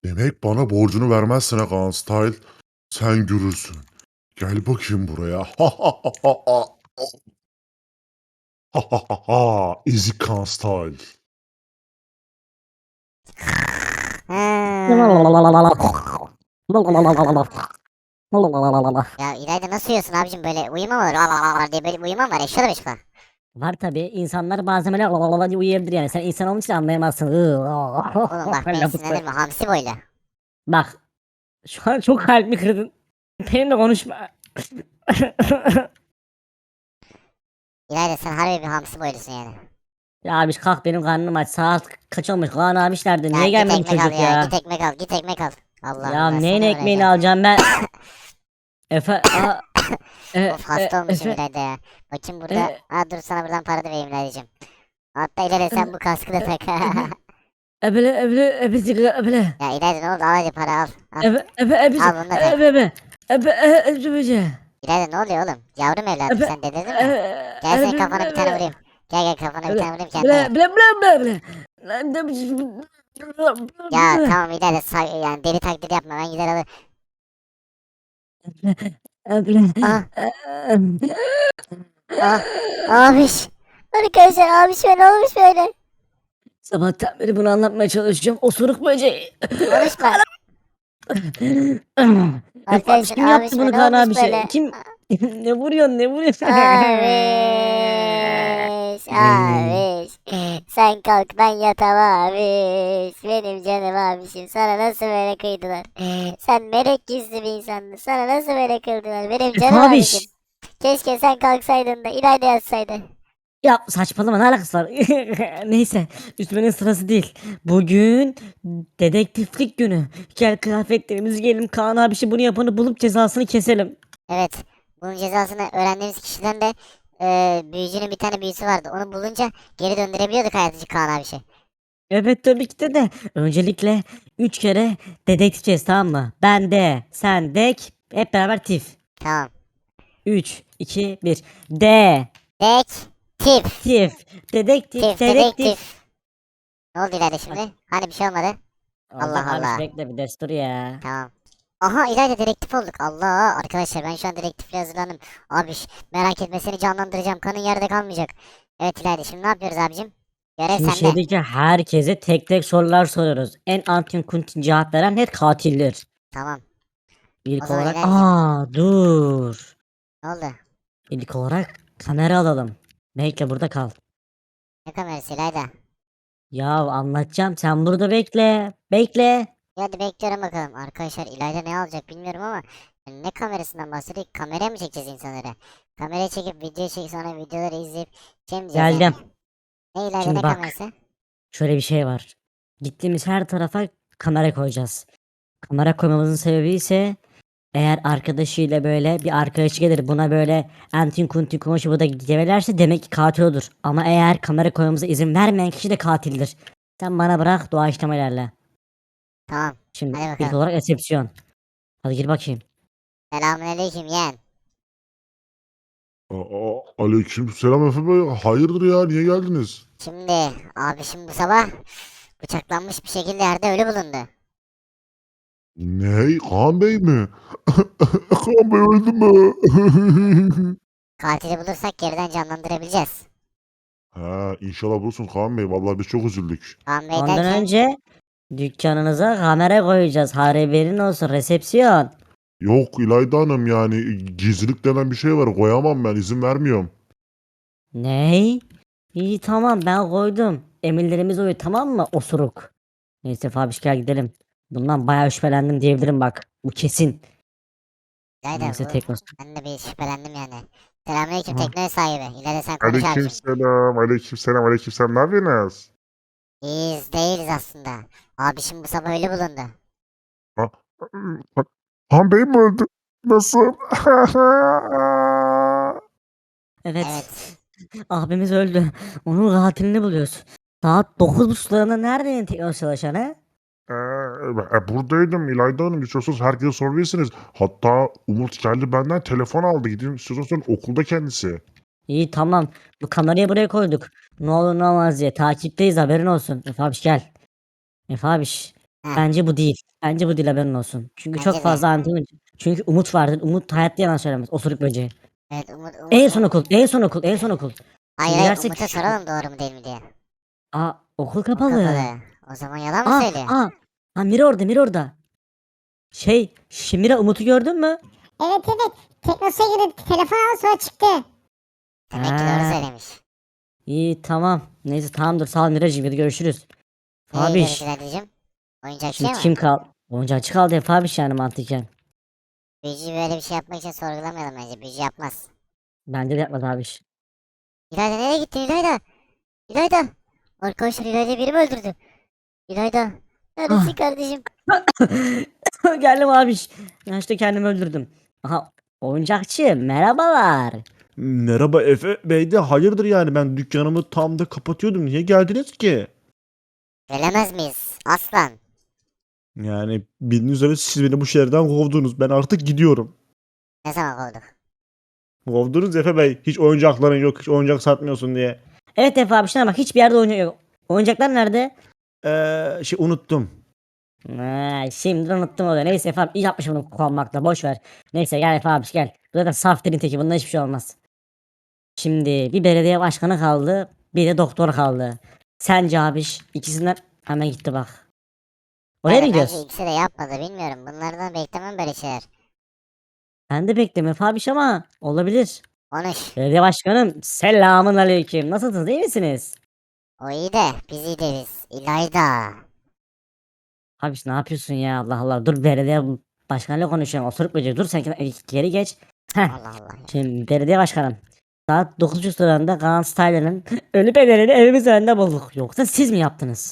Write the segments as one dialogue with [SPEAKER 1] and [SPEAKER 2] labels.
[SPEAKER 1] Demek bana borcunu vermezsin ha Kaan Style. Sen görürsün. Gel bakayım buraya. Ha ha ha ha ha. Ha ha ha ha. Ezik Kaan Style.
[SPEAKER 2] Ya İlayda nasıl uyuyorsun abicim böyle uyuma mı olur diye böyle uyuma mı var eşya da beşika.
[SPEAKER 3] Var tabi. İnsanlar bazen böyle diye uyuyabilir yani. Sen insan olmuş için anlayamazsın.
[SPEAKER 2] Oğlum bak beni sinirlendirme hamsi boylu.
[SPEAKER 3] Bak. Şu an çok kalbimi kırdın. Benimle konuşma.
[SPEAKER 2] İlayda sen harbi bir hamsi boylusun yani.
[SPEAKER 3] Ya abi kalk, benim karnım aç. Saat kaç olmuş? Kaan abi nerede?
[SPEAKER 2] Ya
[SPEAKER 3] Niye
[SPEAKER 2] git
[SPEAKER 3] gelmedi bu
[SPEAKER 2] ekmek al
[SPEAKER 3] çocuk
[SPEAKER 2] ya
[SPEAKER 3] ya?
[SPEAKER 2] git ekmek al git ekmek al. Allah
[SPEAKER 3] Ya
[SPEAKER 2] Allah
[SPEAKER 3] neyin
[SPEAKER 2] sana
[SPEAKER 3] ekmeğini
[SPEAKER 2] uğraşacağım.
[SPEAKER 3] alacağım ben?
[SPEAKER 2] Of hasta olmuşum
[SPEAKER 3] Efe,
[SPEAKER 2] İlayda ya. Bakayım burada.
[SPEAKER 3] e,
[SPEAKER 2] Dur sana buradan para da vereyim İlaydacığım. Hatta İlayda sen bu kaskı da tak.
[SPEAKER 3] ebele.
[SPEAKER 2] Ya İlayda ne oldu al hadi para al. Al,
[SPEAKER 3] Ebe, ebe, ebe,
[SPEAKER 2] al bunu da tak.
[SPEAKER 3] ebe, ebe, ebe, ebe,
[SPEAKER 2] İlayda ne oluyor oğlum? Yavrum evladım
[SPEAKER 3] ebe,
[SPEAKER 2] sen delirdin mi? Gel senin kafana bir tane vurayım. Gel gel kafana bir tane vurayım kendine. Ya tamam İlayda yani deli taklidi yapma ben gider alır. Ah ah abiş. Arkadaşlar abiş ne olmuş böyle?
[SPEAKER 3] Sabahtan beri bunu anlatmaya çalışacağım. Osuruk böceği.
[SPEAKER 2] Konuşma.
[SPEAKER 3] Abiş
[SPEAKER 2] Arkadaşlar
[SPEAKER 3] kim yaptı
[SPEAKER 2] abişime
[SPEAKER 3] bunu
[SPEAKER 2] ne
[SPEAKER 3] Kaan
[SPEAKER 2] olmuş
[SPEAKER 3] abi şey?
[SPEAKER 2] böyle?
[SPEAKER 3] Kim? Ne vuruyorsun, ne vuruyorsun?
[SPEAKER 2] Abiş, abiş. Sen kalk ben yatamam abiş. Benim canım abişim. Sana nasıl böyle kıydılar? Sen melek yüzlü bir insandın. Sana nasıl böyle kıldılar? Benim canım abişim.
[SPEAKER 3] Abiş.
[SPEAKER 2] Keşke sen kalksaydın da İlayda yatsaydı.
[SPEAKER 3] Ya saçmalama, ne alakası var? Neyse, üstmenin sırası değil. Bugün dedektiflik günü. Gel kıyafetlerimizi giyelim. Kaan abişi bunu yapanı bulup cezasını keselim.
[SPEAKER 2] Evet. Bunun cezasını öğrendiğimiz kişiden de büyücünün bir tane büyüsü vardı. Onu bulunca geri döndürebiliyorduk hayatıcı Kaan abişi.
[SPEAKER 3] Evet tabii ki de. Öncelikle 3 kere dedektifeceğiz, tamam mı? Ben de, sen dek, hep beraber tif.
[SPEAKER 2] Tamam.
[SPEAKER 3] 3, 2, 1. De,
[SPEAKER 2] Tif.
[SPEAKER 3] tif, dedektif,
[SPEAKER 2] Tif
[SPEAKER 3] dedektif.
[SPEAKER 2] dedektif. Ne oldu İlayda şimdi? Hani bir şey olmadı?
[SPEAKER 3] Olacak
[SPEAKER 2] Allah
[SPEAKER 3] abiş,
[SPEAKER 2] Allah.
[SPEAKER 3] bekle bir destur ya.
[SPEAKER 2] Tamam. Aha İlayda dedektif olduk. Allah arkadaşlar ben şu an dedektifle hazırlandım. Abiş merak etme seni canlandıracağım. Kanın yerde kalmayacak. Evet İlayda şimdi ne yapıyoruz abicim? Görev
[SPEAKER 3] Şimdi
[SPEAKER 2] sende.
[SPEAKER 3] şehirdeki herkese tek tek sorular soruyoruz. En antin kuntin cevap veren net katildir.
[SPEAKER 2] Tamam. O
[SPEAKER 3] İlk
[SPEAKER 2] zaman
[SPEAKER 3] olarak
[SPEAKER 2] İlaydacığım
[SPEAKER 3] dur.
[SPEAKER 2] ne oldu?
[SPEAKER 3] İlk olarak kamera alalım. Bekle, burada kal.
[SPEAKER 2] Ne kamerası İlayda?
[SPEAKER 3] Ya anlatacağım, sen burada bekle. Bekle.
[SPEAKER 2] Hadi bekliyorum bakalım. Arkadaşlar İlayda ne alacak bilmiyorum ama ne kamerasından bahsediyor? Kameraya mı çekeceğiz insanları? Kameraya çekip video çekip sonra videoları izleyip şey mi diyeceğiz
[SPEAKER 3] Geldim.
[SPEAKER 2] yani? Ne İlayda
[SPEAKER 3] Şimdi
[SPEAKER 2] ne
[SPEAKER 3] bak.
[SPEAKER 2] kamerası?
[SPEAKER 3] Şöyle bir şey var. Gittiğimiz her tarafa kamera koyacağız. Kamera koymamızın sebebi ise eğer arkadaşıyla böyle bir arkadaşı gelir buna böyle antin kuntin konuşup bu da gevelerse demek ki katil olur. Ama eğer kamera koymamıza izin vermeyen kişi de katildir. Sen bana bırak, doğaçlama ilerle.
[SPEAKER 2] Tamam.
[SPEAKER 3] Şimdi
[SPEAKER 2] Hadi
[SPEAKER 3] ilk
[SPEAKER 2] bakalım.
[SPEAKER 3] olarak resepsiyon. Hadi gir bakayım.
[SPEAKER 2] Selamünaleyküm yeğen.
[SPEAKER 1] Aleykümselam Efe Bey. Hayırdır ya? Niye geldiniz?
[SPEAKER 2] Şimdi abişim bu sabah bıçaklanmış bir şekilde yerde ölü bulundu.
[SPEAKER 1] Ne? Kaan Bey mi? Kaan Bey öldü mü?
[SPEAKER 2] Katili bulursak geriden canlandırabileceğiz.
[SPEAKER 1] Ha, inşallah bulursunuz Kaan Bey. Vallahi biz çok üzüldük.
[SPEAKER 2] Kaan Bey
[SPEAKER 3] Ondan
[SPEAKER 2] derken
[SPEAKER 3] önce dükkanınıza kamera koyacağız. Haberin olsun, resepsiyon.
[SPEAKER 1] Yok İlayda Hanım yani gizlilik denen bir şey var. Koyamam ben. İzin vermiyorum.
[SPEAKER 3] Ney? İyi tamam, ben koydum. Emirlerimiz uyuyor, tamam mı osuruk? Neyse Fabiş, gel gidelim. Bundan bayağı şüphelendim diyebilirim bak. Bu kesin.
[SPEAKER 2] İlayda
[SPEAKER 3] Neyse
[SPEAKER 2] bu
[SPEAKER 3] tekrar.
[SPEAKER 2] ben de bir şüphelendim yani. Selamünaleyküm
[SPEAKER 3] Aha.
[SPEAKER 2] tekne sahibi. İlayda sen konuş abicim.
[SPEAKER 1] Aleykümselam. Aleykümselam. Aleykümselam. Ne yapıyorsunuz?
[SPEAKER 2] İyiyiz değiliz aslında. Abişim bu sabah ölü bulundu.
[SPEAKER 1] Ha, Han Bey mi öldü? Nasıl?
[SPEAKER 3] Evet.
[SPEAKER 2] Evet.
[SPEAKER 3] Abimiz öldü. Onun katilini buluyoruz. Saat 9.30'larında neredeydin tekrar çalışan he?
[SPEAKER 1] Buradaydım İlayda Hanım. İstiyorsanız herkese sorabilirsiniz. Hatta Umut geldi benden telefon aldı. Gidin istiyorsanız okulda kendisi.
[SPEAKER 3] İyi tamam. Bu kamerayı buraya koyduk. Ne olur ne olmaz diye. Takipteyiz, haberin olsun. Efe abiş gel. Efe abiş.
[SPEAKER 2] Heh.
[SPEAKER 3] Bence bu değil. Bence bu değil, haberin olsun. Çünkü
[SPEAKER 2] Bence
[SPEAKER 3] çok
[SPEAKER 2] de.
[SPEAKER 3] fazla anti. Çünkü Umut vardır. Umut hayatta yalan söylemez. Osuruk böceği.
[SPEAKER 2] Evet Umut
[SPEAKER 3] En son okul. En son okul. En son okul.
[SPEAKER 2] Hayır
[SPEAKER 3] Şimdi
[SPEAKER 2] hayır
[SPEAKER 3] dersek
[SPEAKER 2] Umut'a soralım doğru mu değil mi diye.
[SPEAKER 3] okul
[SPEAKER 2] O
[SPEAKER 3] kapalı.
[SPEAKER 2] kapalı. O zaman yalan mı
[SPEAKER 3] Aa,
[SPEAKER 2] söylüyor?
[SPEAKER 3] aa. Ha, Mira orada, Mira orada. Şimira Umut'u gördün mü?
[SPEAKER 4] Evet evet. Teknosa'ya girdi. Telefon aldı sonra çıktı.
[SPEAKER 2] Demek ki doğru
[SPEAKER 3] Ha,
[SPEAKER 2] söylemiş.
[SPEAKER 3] iyi tamam. Neyse tamamdır. Sağ ol Miracığım. Hadi görüşürüz.
[SPEAKER 2] Nereye gidiyoruz
[SPEAKER 3] Fabiş.
[SPEAKER 2] İlaydacığım? Oyuncakçıya
[SPEAKER 3] Şimdi
[SPEAKER 2] mı?
[SPEAKER 3] kim kal? Oyuncakçı kaldı ya Fabiş, yani mantıken.
[SPEAKER 2] Büyücü böyle bir şey yapmak için sorgulamayalım bence. Büyücü yapmaz.
[SPEAKER 3] Bence de yapmaz abiş.
[SPEAKER 2] İlayda nereye gittin İlayda? İlayda. Arkadaşlar İlayda biri mi öldürdü? İlayda. Neredesin
[SPEAKER 3] Ah.
[SPEAKER 2] kardeşim?
[SPEAKER 3] Geldim abiş. Ya işte kendimi öldürdüm. Aha, oyuncakçı merhabalar.
[SPEAKER 5] Merhaba Efe Bey de hayırdır yani ben dükkanımı tam da kapatıyordum. Niye geldiniz ki?
[SPEAKER 2] Gelemez miyiz? Aslan.
[SPEAKER 5] Yani bildiğiniz üzere siz beni bu şehirden kovdunuz. Ben artık gidiyorum.
[SPEAKER 2] Ne zaman kovduk?
[SPEAKER 5] Kovdunuz Efe Bey. Hiç oyuncakların yok. Hiç oyuncak satmıyorsun diye.
[SPEAKER 3] Evet Efe abi, şuna bak, hiçbir yerde oyuncak yok. Oyuncaklar nerede?
[SPEAKER 5] Unuttum.
[SPEAKER 3] Şimdi unuttum oluyor. Neyse Efe abi, iyi yapmışım bunu kullanmakla, boş ver. Neyse gel Efe abi gel. Bu zaten saf dilin teki, bundan hiçbir şey olmaz. Şimdi bir belediye başkanı kaldı. Bir de doktor kaldı. Sence abiş ikisinden hemen gitti bak. Oraya mı
[SPEAKER 2] Yani bence
[SPEAKER 3] gidiyoruz?
[SPEAKER 2] ikisi de yapmadı bilmiyorum. Bunlardan beklemem böyle şeyler.
[SPEAKER 3] Ben de beklemiyorum Efe abiş ama olabilir.
[SPEAKER 2] Konuş.
[SPEAKER 3] Belediye başkanım selamun aleyküm. Nasılsınız, iyi misiniz?
[SPEAKER 2] O iyi de biz iyi değiliz. İlayda.
[SPEAKER 3] Abiş ne yapıyorsun ya, Allah Allah. Dur, belediye başkanıyla konuşuyorum. Oturup böceği. Dur sen geri geç. Heh.
[SPEAKER 2] Allah Allah.
[SPEAKER 3] Şimdi belediye başkanım. Saat 9.30 sıralarında Kaan Styler'ın ölü bedenini evimiz önünde bulduk. Yoksa siz mi yaptınız?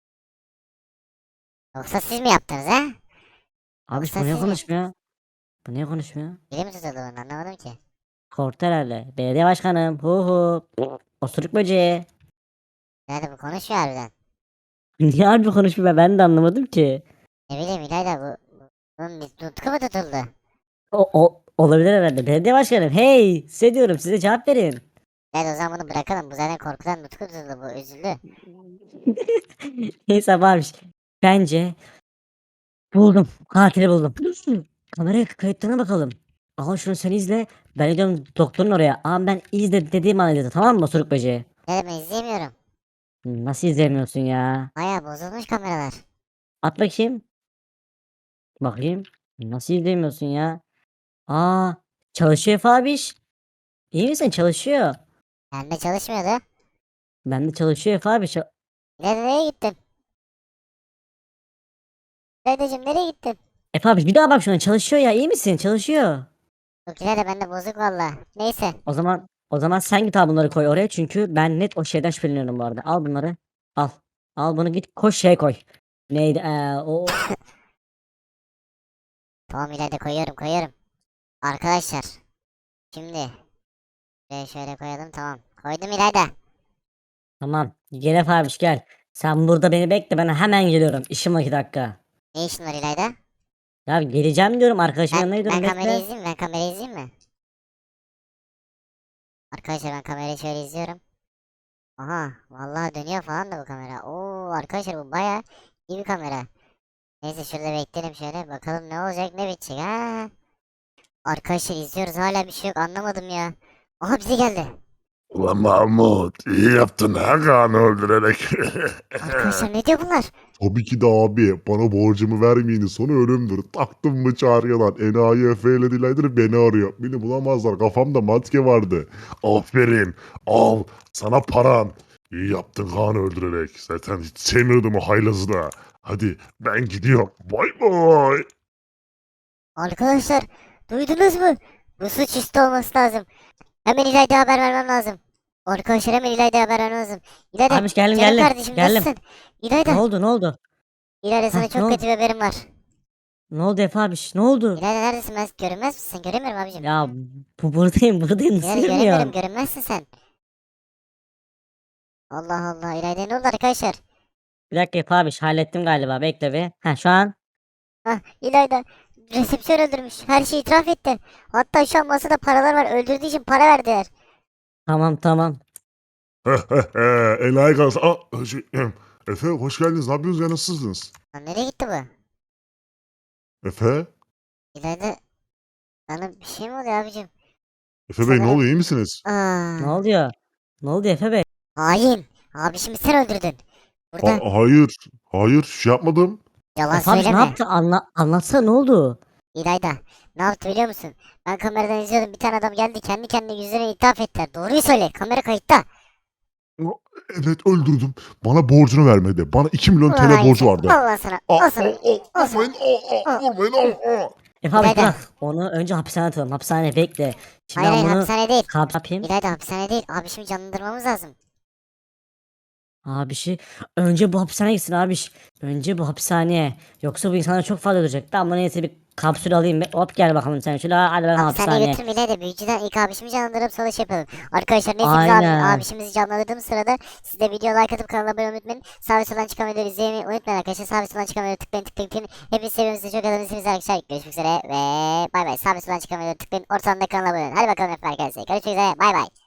[SPEAKER 2] Yoksa siz mi yaptınız he?
[SPEAKER 3] Abi
[SPEAKER 2] Yoksa
[SPEAKER 3] bu niye
[SPEAKER 2] siz mi?
[SPEAKER 3] konuşmuyor? Bu niye konuşmuyor?
[SPEAKER 2] Biri mi tutuldu bunu anlamadım ki.
[SPEAKER 3] Korktu herhalde. Belediye başkanım. Hu hu. Osuruk böceği.
[SPEAKER 2] Nerede bu konuşuyor harbiden.
[SPEAKER 3] Niye harbi konuşmuyor, ben de anlamadım ki.
[SPEAKER 2] Ne bileyim İlayda bunun bir nutku mu tutuldu?
[SPEAKER 3] Olabilir herhalde. Belediye başkanım. Hey, size diyorum, size cevap verin.
[SPEAKER 2] Evet o zaman bunu bırakalım. Bu zaten korkudan nutku tutuldu bu üzüldü.
[SPEAKER 3] Neyse abi. Bence buldum. Katili buldum. Kamera kayıtlarına bakalım. Al şunu, sen izle. Ben gidiyorum doktorun oraya. Ama ben izle dediğim an izle, tamam mı osuruk böceği?
[SPEAKER 2] Ne ben izleyemiyorum.
[SPEAKER 3] Nasıl izlemiyorsun ya?
[SPEAKER 2] Baya bozulmuş kameralar.
[SPEAKER 3] At bakayım. Bakayım. Nasıl izlemiyorsun ya? Aa, çalışıyor Efe abiş. İyi misin? Çalışıyor.
[SPEAKER 2] Bende çalışmıyordu.
[SPEAKER 3] Ben de çalışıyor Efe abi.
[SPEAKER 2] Nereye gittin? Dedeciğim nereye gittin?
[SPEAKER 3] Efe abi bir daha bak şuna, çalışıyor ya, iyi misin? Çalışıyor.
[SPEAKER 2] Yok İlayda bende bozuk valla. Neyse.
[SPEAKER 3] O zaman sen git al bunları, koy oraya, çünkü ben net o şeyden şüpheleniyorum bu arada. Al bunları. Al. Al bunu, git koş şey koy. Neydi?
[SPEAKER 2] Tamam İlayda koyuyorum. Arkadaşlar. Şimdi. Şöyle koyalım tamam. Koydum İlayda.
[SPEAKER 3] Tamam. Gel Efe abi gel. Sen burada beni bekle, ben hemen geliyorum. İşim var 2 dakika.
[SPEAKER 2] Ne işin var İlayda?
[SPEAKER 3] Ya geleceğim diyorum, arkadaşımın yanına
[SPEAKER 2] Ben
[SPEAKER 3] gidiyorum,
[SPEAKER 2] kamerayı
[SPEAKER 3] bekle.
[SPEAKER 2] izleyeyim mi? Ben kamerayı izleyeyim mi? Arkadaşlar ben kamerayı şöyle izliyorum. Aha vallahi dönüyor falan da bu kamera. Oo arkadaşlar bu baya iyi bir kamera. Neyse şurada bekleyelim şöyle bakalım ne olacak ne bitecek ha. Arkadaşlar izliyoruz hala bir şey yok anlamadım ya. Aha bize geldi.
[SPEAKER 1] Ulan Mahmut, iyi yaptın ha Kaan'ı öldürerek.
[SPEAKER 2] Arkadaşlar ne diyor bunlar?
[SPEAKER 1] Tabii ki de abi, bana borcumu vermeyeni sonu ölümdür. Taktım mı çağırıyorlar. Enayi Efe ile Dilay'dır beni arıyor. Beni bulamazlar, kafamda maske vardı. Aferin, al sana paran. İyi yaptın Kaan'ı öldürerek. Zaten hiç sevmiyordum o haylazı da. Hadi ben gidiyorum. Bay bay.
[SPEAKER 2] Arkadaşlar duydunuz mu? Bu suç üstü olması lazım. Hemen İlayda'ya haber vermem lazım. Arkadaşlar hemen İlayda'ya haber vermem lazım. İlayda
[SPEAKER 3] Abi geldim
[SPEAKER 2] canım
[SPEAKER 3] geldim.
[SPEAKER 2] kardeşim
[SPEAKER 3] Geldim.
[SPEAKER 2] nasılsın?
[SPEAKER 3] Ne
[SPEAKER 2] İlayda.
[SPEAKER 3] oldu, ne oldu?
[SPEAKER 2] İlayda sana
[SPEAKER 3] ne
[SPEAKER 2] çok
[SPEAKER 3] oldu?
[SPEAKER 2] kötü bir haberim var.
[SPEAKER 3] Ne oldu Efe abi, ne oldu?
[SPEAKER 2] İlayda neredesin ben görünmez misin sen göremiyorum abicim.
[SPEAKER 3] Ya buradayım nasıl
[SPEAKER 2] İlayda göremiyorum
[SPEAKER 3] görmüyorsun?
[SPEAKER 2] görünmezsin sen. Allah Allah İlayda ne oldu arkadaşlar?
[SPEAKER 3] Bir dakika Efe abi, hallettim galiba, bekle bir. Ha şu an.
[SPEAKER 2] Hah İlayda resepsiyon öldürmüş her şeyi itiraf etti. Hatta şu an masada paralar var öldürdüğü için para verdiler.
[SPEAKER 3] Tamam.
[SPEAKER 1] Enayi kalsın. Efe hoş geldiniz. Ne yapıyorsunuz ya, nasılsınız?
[SPEAKER 2] Lan nereye gitti bu?
[SPEAKER 1] Efe?
[SPEAKER 2] İlayda sana bir şey mi oluyor abicim?
[SPEAKER 1] Efe Bey ne
[SPEAKER 2] Sana-
[SPEAKER 1] oluyor, iyi misiniz?
[SPEAKER 3] Ne
[SPEAKER 2] Aa,
[SPEAKER 3] oluyor? Ne oldu Efe Bey?
[SPEAKER 2] hain. Abişimi sen öldürdün. Burada
[SPEAKER 1] Hayır. Hayır, şey yapmadım.
[SPEAKER 2] yalan
[SPEAKER 3] Efe abi ne
[SPEAKER 2] söyleme.
[SPEAKER 3] yaptı? Anlatsana ne oldu?
[SPEAKER 2] İlayda ne yaptı biliyor musun? Ben kameradan izliyordum. Bir tane adam geldi kendi kendine yüzlerine ithaf ettiler. Doğruyu söyle. Kamera kayıtta.
[SPEAKER 1] Evet, öldürdüm. Bana borcunu vermedi. Bana 2 milyon
[SPEAKER 2] Ulan
[SPEAKER 1] TL
[SPEAKER 2] hain
[SPEAKER 1] borcu
[SPEAKER 2] sen.
[SPEAKER 1] vardı.
[SPEAKER 2] Al lan sana. Al sana. Al sana.
[SPEAKER 1] Vurmayın. Vurmayın.
[SPEAKER 3] Efe abi
[SPEAKER 2] İlayda.
[SPEAKER 3] bırak. Onu önce hapishaneye atalım. Hapishaneye bekle. Şimdi
[SPEAKER 2] Hayır
[SPEAKER 3] ben
[SPEAKER 2] hayır
[SPEAKER 3] bunu
[SPEAKER 2] hapishane değil.
[SPEAKER 3] yapayım.
[SPEAKER 2] İlayda hapishane değil. Abişimi canlandırmamız lazım.
[SPEAKER 3] Abişi önce bu hapishaneye gitsin abiş. Önce bu hapishaneye. Yoksa bu insanlar çok fazla ölecek. Ben buna neyse bir kapsül alayım. Hop gel bakalım sen şöyle hadi bakalım
[SPEAKER 2] Hapishaneye
[SPEAKER 3] hapishaneye.
[SPEAKER 2] götürme İlayda. Büyücüden ilk abişimi canlandırıp sonra şey yapalım. Arkadaşlar neyse biz
[SPEAKER 3] Aynen.
[SPEAKER 2] abişimizi canlandırdığımız sırada siz de video like atıp kanala abone olmayı unutmayın. Sağ ve soldan çıkan videoları izlemeyi unutmayın arkadaşlar. Sağ ve soldan çıkan videoları tıklayın. Hepinizi seviyorum sizi çok adınızsınız arkadaşlar. Görüşmek üzere ve bay bay. Sağ ve soldan çıkan videoları tıklayın. Ortadan da kanala abone olun. Hadi bakalım hep arkadaşlar. Görüşmek üzere bay bay.